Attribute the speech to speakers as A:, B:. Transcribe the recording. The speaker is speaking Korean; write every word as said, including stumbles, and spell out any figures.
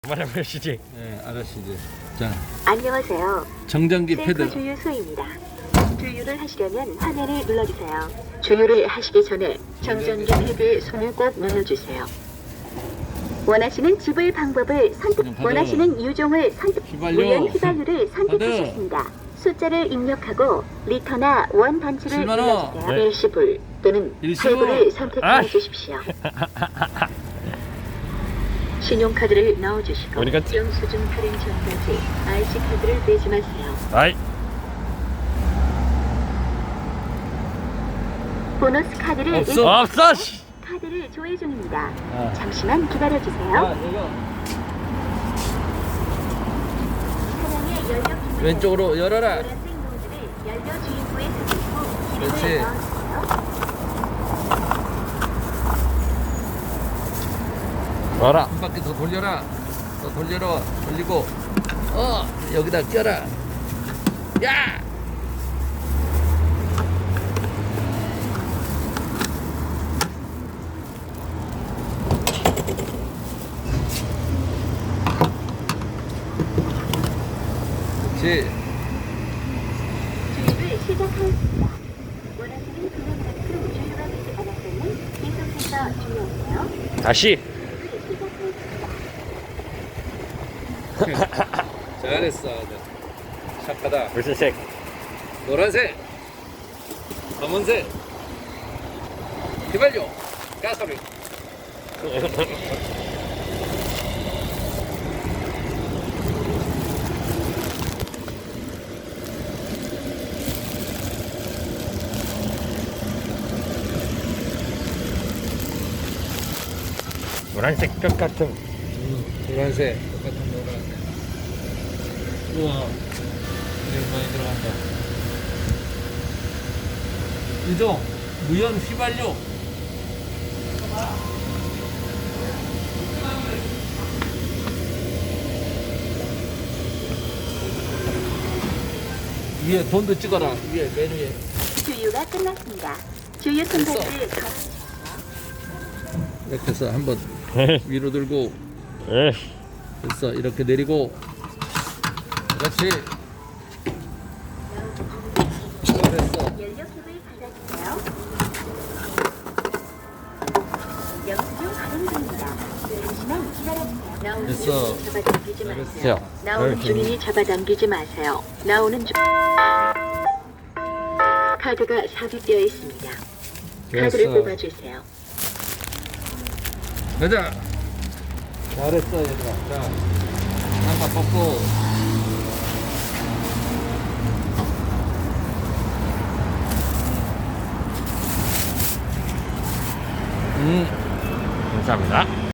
A: 말해보시지.
B: 네, 알았시지. 자,
C: 안녕하세요.
B: 정전기
C: 셀프
B: 패드.
C: 주유 수입니다. 주유를 하시려면 화면을 눌러주세요. 주유를 하시기 전에 정전기 패드에 손을 꼭 넣어주세요. 원하시는 지불 방법을 선택,
B: 그냥 받아.
C: 원하시는 유종을 선택,
B: 휘발유.
C: 무연 휘발유를 선택하셨습니다. 숫자를 입력하고 리터나 원 단추를
B: 칠만 원.
C: 눌러주세요.
A: 네.
C: 일시불 또는
B: 일시불.
C: 할부를 선택해
A: 아이.
C: 주십시오. 신용카드를 넣어주시고
A: 우리가-
C: 영수증 발행 전까지 아이씨 카드를 빼지 마세요.
A: 아이.
C: 보너스 카드를
B: 없어.
C: 일-
A: 없어. 씨.
C: 카드를 조회 중입니다.
B: 아.
C: 잠시만 기다려주세요.
B: 아, 이거
C: 차량의 연료 기능을
B: 왼쪽으로 열어라.
C: 노란색 노즐을 연료 주입구에 설치고
B: 그렇지.
C: 기름을 넣어주세요.
A: 와라.
B: 한 바퀴 더 돌려라. 더 돌려라. 돌리고, 어, 여기다 껴라. 야! 그렇지.
C: 주유를 시작하였습니다. 원하시는 금액만큼 주유가 되지 않았다면 계속해서 주유하세요.
A: 다시.
C: 주유를 시작하였습니다.
B: 잘했어. 착하다.
A: 무슨 색?
B: 노란색, 검은색, 휘발유, 가솔린.
A: 노란색 뼈 같은.
B: 노란색, 똑같은 노란색. 우와, 여기 많이 들어간다. 이종 무연 휘발유. 위에 돈도 찍어라. 위에 맨 위에.
C: 주유가 끝났습니다. 주유 손잡이를 걸어
B: 이렇게 해서 한번 위로 들고
A: 에.
B: 됐어. 이렇게 내리고. 그렇지. 됐어.
C: 연료캡을 받아주세요. 영수증 발행 중입니다. 잠시만 기다려주세요. 나오는
B: 됐어.
C: 주민이 잡아당기지 마세요.
A: 됐어.
C: 나오는
A: 이렇게.
C: 주민이 잡아당기지 마세요. 나오는 주 카드가 삽입되어 있습니다. 카드를
B: 됐어.
C: 뽑아주세요.
B: 가자. 잘했어, 얘들아. 자, 한번 뽑고. 음.
A: 감사합니다.